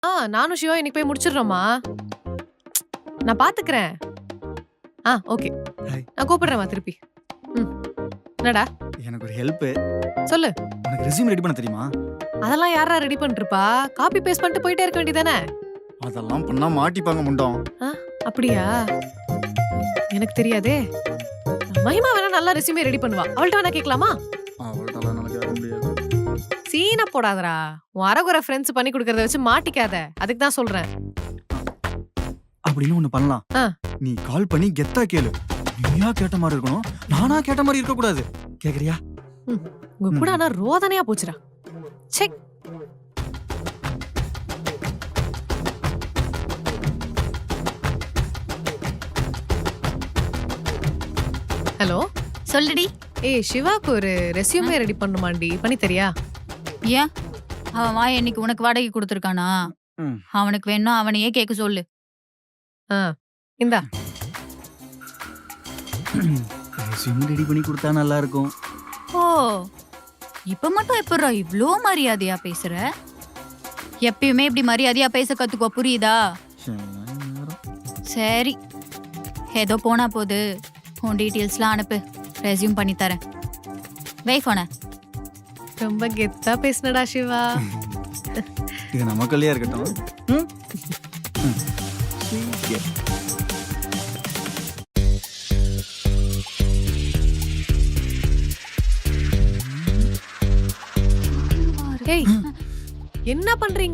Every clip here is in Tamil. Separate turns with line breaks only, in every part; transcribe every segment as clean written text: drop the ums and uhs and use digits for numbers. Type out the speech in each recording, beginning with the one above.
நானும் சிவா இன்னைக்கு போய் முடிச்சிடுறோமா. நான் பாத்துக்கிறேன். ஓகே. நான் கூப்பிடுறேன்மா திருப்பி. என்னடா
எனக்கு ஒரு ஹெல்ப்.
சொல்லு.
உனக்கு ரெஸ்யூம் ரெடி பண்ண தெரியுமா?
அதெல்லாம் யாரா ரெடி பண்ணிருப்பா? காப்பி பேஸ்ட் பண்ணிட்டு போயிட்டே இருக்க வேண்டியதானே.
அதெல்லாம் பண்ணா மாட்டிப்பாங்க முண்டோம்.
அப்படியா? எனக்கு தெரியாதே. மகிமா வேணா நல்லா ரெஸ்யூமே ரெடி பண்ணுவா. அவள்கிட்ட வேணா கேட்கலாமா?
அவள்கிட்ட நல்லா கேட்க முடியாது.
சீனா போடாதடா. உன் அரகுற ஃப்ரெண்ட்ஸ் பண்ணி கொடுக்கறத வச்சு மாட்டிக்காத. அதுக்கு தான் சொல்றேன்.
அப்படின்னு ஒண்ணு பண்ணலாம். நீ கால் பண்ணி கெத்தா கேளு. நீயா கேட்ட மாதிரி இருக்கணும், நானா கேட்ட மாதிரி இருக்க கூடாது. கேக்குறியா?
உங்க கூட ஆனா ரோதனையா போச்சுடா. செக். ஹலோ
சொல்லுடி.
சிவாக்கு ஒரு ரெஸ்யூமே ரெடி பண்ணுமாண்டி, பண்ணி தரியா?
ஏன் அவன் வாய் இன்னைக்கு உனக்கு வாடகை கொடுத்துருக்கானா? அவனுக்கு வேணும் அவனையே கேட்க சொல்லு.
இந்தா
ரெஸ்யூம் ரெடி பண்ணி கொடுத்தா நல்லா இருக்கும்.
ஓ, இப்ப மட்டும் எப்படா இவ்ளோ மரியாதையா பேசுற? எப்பயுமே இப்படி மரியாதையா பேச கத்துக்கோ, புரியுதா? சரி, ஏதோ போனா போது. உன் டீட்டெயில்ஸ்லாம் அனுப்பு, ரெஸ்யூம் பண்ணி தரேன். வை போன.
ரொம்ப கெத்தா பேசுனடா சிவா.
இது நமக்குள்ளே இருக்கட்டும்.
என்ன பண்றீங்க?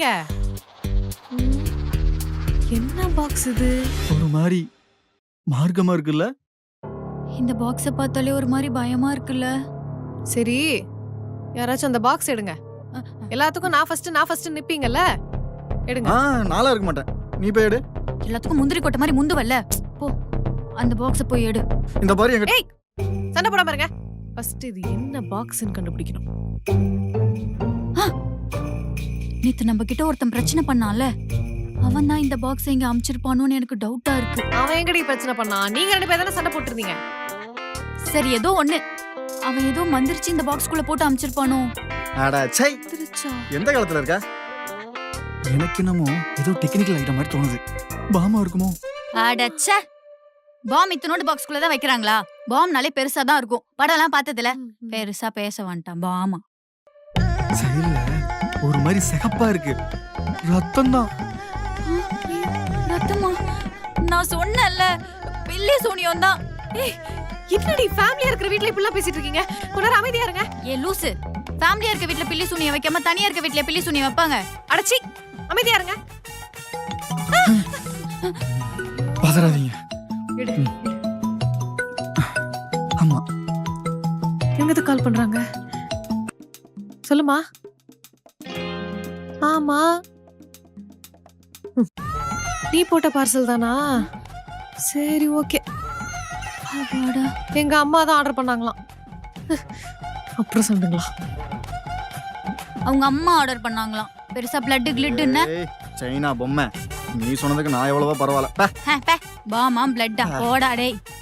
என்ன பாக்ஸ் இது?
ஒரு மாதிரி மார்க்கமா இருக்குல்ல?
இந்த பாக்ஸ பார்த்தாலே ஒரு மாதிரி பயமா இருக்குல்ல?
சரி, யாராச்சும் அந்த பாக்ஸ் எடுங்க. எல்லாத்துக்கும் நான் ஃபர்ஸ்ட் நிப்பீங்கல்ல, எடுங்க.
நாளா இருக்க மாட்டேன், நீ போய் எடு.
எல்லாத்துக்கும் முந்திரி கொட்ட மாதிரி முந்துவல்ல, போ அந்த பாக்ஸ போய் எடு.
இந்த பாரு எங்க.
ஏய், சண்டை போடாம இருங்க. ஃபர்ஸ்ட் இது என்ன பாக்ஸ்னு கண்டுபிடிக்கணும்.
நேத்து நம்ம கிட்ட ஒருத்தன் பிரச்சனை பண்ணான்ல, அவன் தான் இந்த பாக்ஸ் இங்க அமிச்சிருப்பானோன்னு எனக்கு டவுட்டா இருக்கு.
அவன் எங்கடி பிரச்சனை பண்ணான்? நீங்க ரெண்டு பேரும் தானே சண்டை போட்டுருந்தீங்க.
சரி, ஏதோ ஒண்ணு. அவன் ஏதோ மந்திரிச்சு இந்த பாக்ஸ்குள்ள போட்டு அமிச்சிருப்பானோ.
அட சை, எந்த காலத்துல இருக்க? எனக்கு என்னமோ ஏதோ டெக்னிக்கல் ஐட்டம் மாதிரி தோணுது. பாமா இருக்குமோ?
அடச்ச, பாம் இத்தனோட பாக்ஸ்குள்ள தான் வைக்கிறாங்களா? பாம்னாலே பெருசா தான் இருக்கும். படம்லாம் பார்த்ததுல பெருசா பேச வேண்டாம். பாமா
சரியில்ல, ஒரு மாதிரி சிகப்பா இருக்கு. ரத்தம் தான்.
ரத்தமா? நான் சொன்னேன்ல, பில்லி சூனியம் தான்.
என்னடி ஃபேமிலியா இருக்கிற வீட்ல இப்படி எல்லாம் பேசிட்டு இருக்கீங்க? கொஞ்சம் அமைதியா இருங்க.
ஏ லூசு, ஃபேமிலியா இருக்க வீட்ல பில்லி சூனியம் வைக்காம தனியா இருக்க வீட்ல பில்லி சூனியம் வைப்பாங்க?
அடச்சி, அமைதியா இருங்க.
பதறாதீங்க. ஆமா,
எங்கது கால் பண்றாங்க? சொல்லுமா. ஆமா, நீ போட்ட பார்சல் தானா? சரி, ஓகே. எங்க அம்மா தான் ஆர்டர் பண்ணாங்களாம். அப்புறம் சொல்லுங்களா?
அவங்க அம்மா ஆர்டர் பண்ணாங்களாம். பெருசா பிளட் கிளிட்னு.
சைனா பொம்மை, நீ சொன்னதுக்கு நான் எவ்வளவோ பரவாயில்ல.
பாமா பிளட்டா போடா டேய்.